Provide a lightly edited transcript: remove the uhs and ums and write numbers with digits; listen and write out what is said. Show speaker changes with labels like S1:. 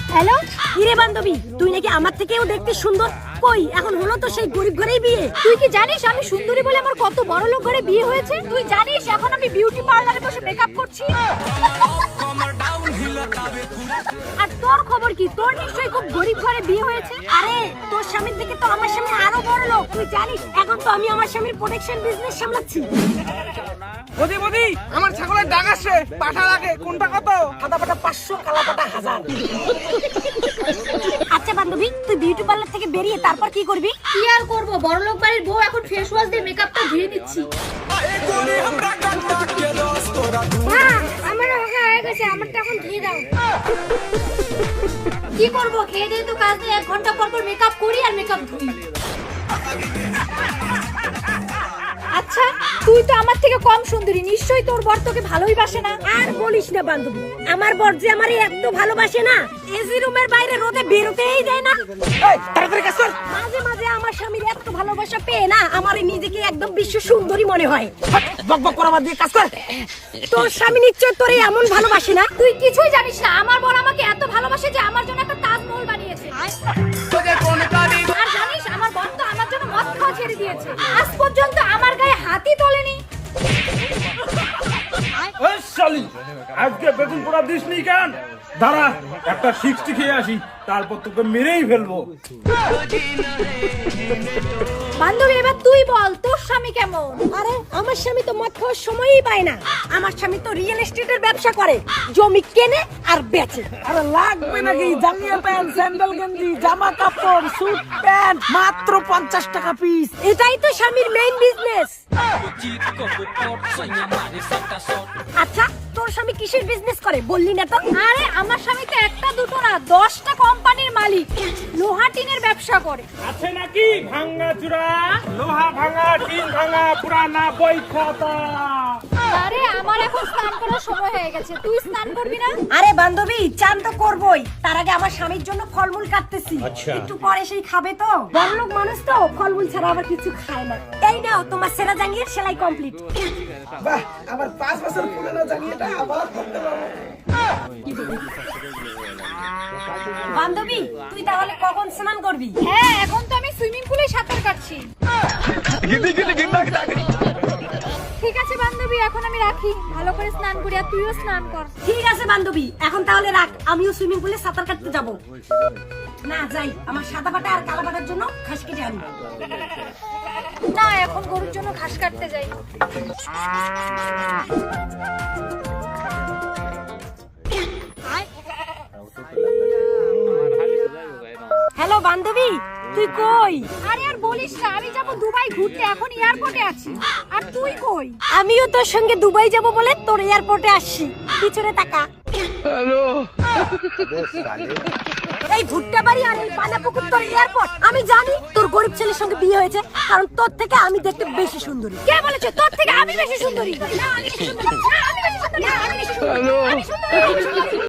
S1: Hello, কিরে বান্ধবী, তুই নাকি আমার থেকেও দেখতে সুন্দর। কই এখন হলো তো সেই গরিব ঘরেই বিয়ে।
S2: তুই কি জানিস আমি সুন্দরী বলে আমার কত বড় লোক ঘরে বিয়ে হয়েছে? তুই জানিস এখন আমি বিউটি পার্লারে বসে মেকআপ করছি?
S1: আর তোর খবর কি? তোর নিশ্চয়ই খুব গরিব ঘরে বিয়ে হয়েছে। আরে তোর স্বামীর থেকে তো আমার স্বামী আরো বড় লোক। তুই জানিস এখন তো আমি আমার স্বামীর প্রোটেকশন বিজনেস সামলাচ্ছি।
S3: বদি বদি আমার ছাগলের ডাক আসে, পাঠা লাগে, কোনটা কত?
S1: সাদা পাটা 500, কালা পাটা 1000। আচ্ছা বান্ধবী, তুই বিউটি পার্লার থেকে বেরিয়ে তারপর কি করবি?
S2: কি আর করব, বড় লোক বাড়ির বউ এখন ফেস ওয়াশ দিয়ে মেকআপটা ধুয়ে নিচ্ছি।
S1: আমার হয়ে গেছে, আমারটা এখন ধুয়ে দাও।
S2: কি করব, খেয়ে দিয়ে তো কাজ নেই, 1 ঘন্টা পর পর মেকআপ করি আর মেকআপ ধুই। আচ্ছা, তুই তো আমার থেকে কম সুন্দরী, নিশ্চয়ই তোর বর তোকে ভালোই বাসে না।
S1: আর বলিস না বান্ধবী, আমার বর যে আমারে এত ভালোবাসে না, এসি রুমের বাইরে রোদে বেরোতেই যায় না।
S3: এই তাড়াতাড়ি কাজ কর।
S1: মাঝে মাঝে আমার স্বামীর এত ভালোবাসা পেয়ে না আমার নিজেকে একদম বিশ্ব সুন্দরী মনে হয়।
S3: বক বক করা বাদ দিয়ে কাজ কর।
S1: তোর স্বামী নিশ্চয় তোরে এমন ভালোবাসে না।
S2: তুই কিছুই জানিস না, আমার বর আমাকে এত ভালোবাসে যে আমার জন্য একটা তাজমহল বানিয়েছে। আর জানিস আমার বর তো আমার জন্য মদ খাওয়া ছেড়ে দিয়েছে। আজ পর্যন্ত আমার গায়ে হাতই তোলেনি।
S4: ওই শালি, আজকে বেগুন পোড়া দিসনি কেন? দাঁড়া, একটা 60 খেয়ে আসি, তারপর তোকে মেরেই ফেলবো।
S2: বান্ধবী এবার তুই বল, তোর স্বামী কেমন?
S1: আরে আমার স্বামী তো মদ খাওয়ার সময়ই পায় না। আমার স্বামী তো রিয়েল এস্টেটের ব্যবসা করে, জমি কেনে আর বেচে।
S3: আরে লাগবে নাকি? জাঙ্গিয়া প্যান্ট, স্যান্ডেল গেঞ্জি, জামা কাপড়, স্যুট প্যান্ট মাত্র 50 টাকা পিস।
S1: এটাই তো স্বামীর মেইন বিজনেস। আচ্ছা তোর স্বামী কিসের বিজনেস করে বললি না তো?
S2: আরে আমার স্বামী তো একটা দুটো না 10টা কোম্পানির মালিক, লোহা টিনের ব্যবসা করে।
S4: আছে নাকি ভাঙা চূড়া, লোহা ভাঙা, টিন ভাঙা, পুরানা বই খাতা?
S2: আরে আমার এখন স্নান করার সময় হয়ে গেছে, তুই স্নান করবি না?
S1: আরে বান্ধবী, চান তো করবই, তার আগে আমার স্বামীর জন্য ফলমূল কাটতেছি। একটু পরে সেই খাবে তো, বড়লোক মানুষ তো ফলমূল ছাড়া আবার কিছু খায় না। এই নাও তোমার সেরা জাঙ্গিয়ার সেলাই কমপ্লিট।
S3: বাহ, আমার 5 বছর পুরনো জাঙ্গিয়াটা আবার পরতে পারবো।
S1: বান্ধবী তুই তাহলে কখন স্নান করবি?
S2: হ্যাঁ, এখন তো আমি সুইমিং পুলে সাঁতার কাটছি। ঠিক আছে বান্ধবী, এখন আমি রাখি, ভালো করে স্নান করি আর তুইও স্নান কর।
S1: ঠিক আছে বান্ধবী, এখন তাহলে রাখ, আমিও সুইমিং পুলে সাঁতার কাটতে যাব। না যাই, আমার সাদা পাটা আর কালো পাটার জন্য ঘাস কেটে আনি।
S2: না, এখন গরুর জন্য ঘাস কাটতে যাই।
S1: হ্যালো বান্ধবী, তুই কই?
S2: আরে আর বলিস না, আমি যাব দুবাই ঘুরতে, এখন এয়ারপোর্টে আছি। আর তুই কই?
S1: আমিও তোর সঙ্গে দুবাই যাব বলে তোর এয়ারপোর্টে আসছি। পিছনে তাকা। এই ভুট্টা বাড়ি আর এই পানাপুকুর তোর এয়ারপোর্ট। আমি জানি তোর গরিব ছেলের সঙ্গে বিয়ে হয়েছে, কারণ তোর থেকে আমি দেখতে বেশি সুন্দরী।
S2: কে বলেছে তোর থেকে আমি বেশি সুন্দরী? না, আমি বেশি সুন্দরী। না, আমি বেশি সুন্দরী। না, আমি বেশি সুন্দরী। আমি সুন্দরী।